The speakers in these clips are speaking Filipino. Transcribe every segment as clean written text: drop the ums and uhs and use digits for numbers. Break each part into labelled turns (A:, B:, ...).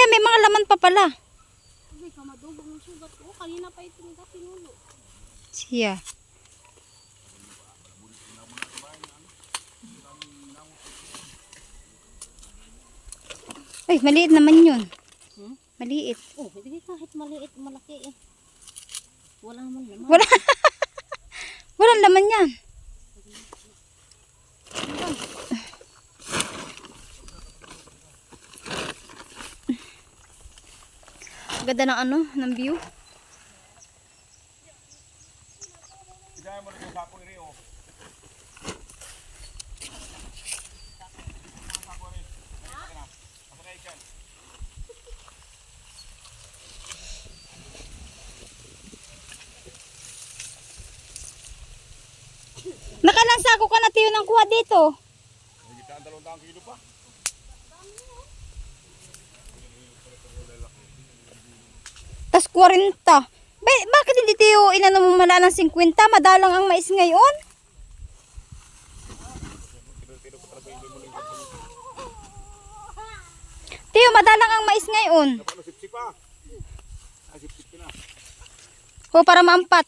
A: may mga laman pa pala.
B: Ay, kamadugong ng sugat ko. Kanina pa ito nga pinulo.
A: Siya. Ay, maliit naman yun. Maliit.
B: Oh, hindi kahit maliit, malaki eh. Wala man naman.
A: Wala. Walang laman yan. Ganda ng ano, ng view. Nakalang sako ka na tiyo ng kuha dito. Tas 40. Bakit hindi tiyo inano mo mala ng 50? Madalang ang mais ngayon. Tiyo, madalang ang mais ngayon. O, para maampat.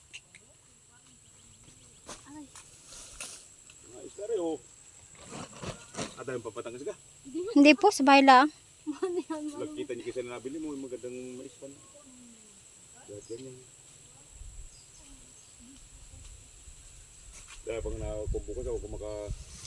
C: Ada yang papatangas ka?
A: Hindi po, sa bahay lang.
C: Kita niyo kasi na nabili mo, yung magandang mais pa na. Dahil ganyan. Dahil pag nakubukas ako, kung maka...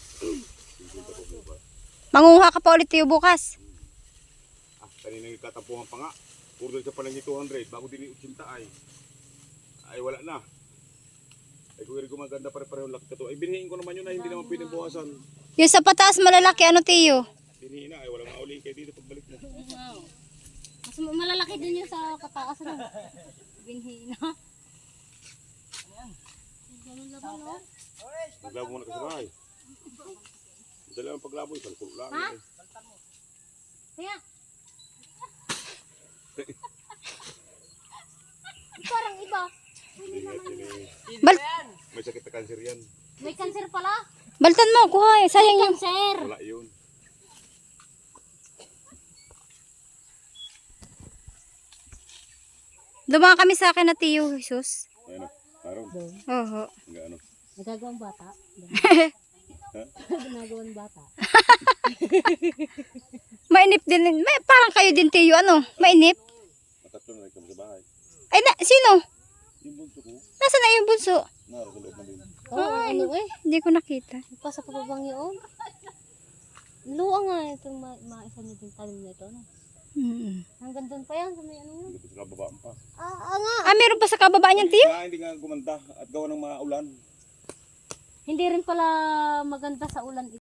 A: Manguha ka pa ulit tiyo bukas.
C: Kanina yung tatampuhan pa nga. Order ka pa lang yung 200, bago din yung 80 ay wala na. Ay kung gumaganda pare-pareho laki ka to. Ay binihin ko naman yun na hindi naman pwedeng buwasan.
A: Yung sa pataas malalaki, ano tiyo?
C: Binihin na, ay walang mauli kayo dito pagbalik mo.
B: Mas malalaki din yung sa pataas na. Binhi na. Ganun laban, no?
C: Maglabo mo na kasi bahay. Dala ang paglabo, isang kulo lang.
B: Ha? Kaya. Parang iba.
C: May sakit na cancer yan.
B: May cancer pala.
A: Baltan mo, kuha. Sayang yung...
B: Cancer.
C: Wala yun.
A: Dumaan kami sa akin na tiyo, Jesus.
C: Ayun na, araw.
A: Oho.
C: Hanggang ano.
B: Nagagawang bata. Ginagawang bata.
A: Mainip din. Parang kayo din tiyo, ano? Mainip.
C: Matatlo na rin kami sa bahay.
A: Ay, sino?
C: Yung bunso ko,
A: Nasaan na yung bunso?
C: naro sa loob na din.
B: Oo, ano eh.
A: Hindi ko nakita.
B: Pa sa pababang yun. Luang nga itong maisa niyo din talim na ito. No? Hanggang doon pa yan. Sa may ano yun.
C: Hindi ko sila babaan pa.
B: Nga.
A: Ah, meron pa sa kababaan yan, tiyo?
C: Hindi nga gumanda at gawa ng mga ulan.
B: Hindi rin pala maganda sa ulan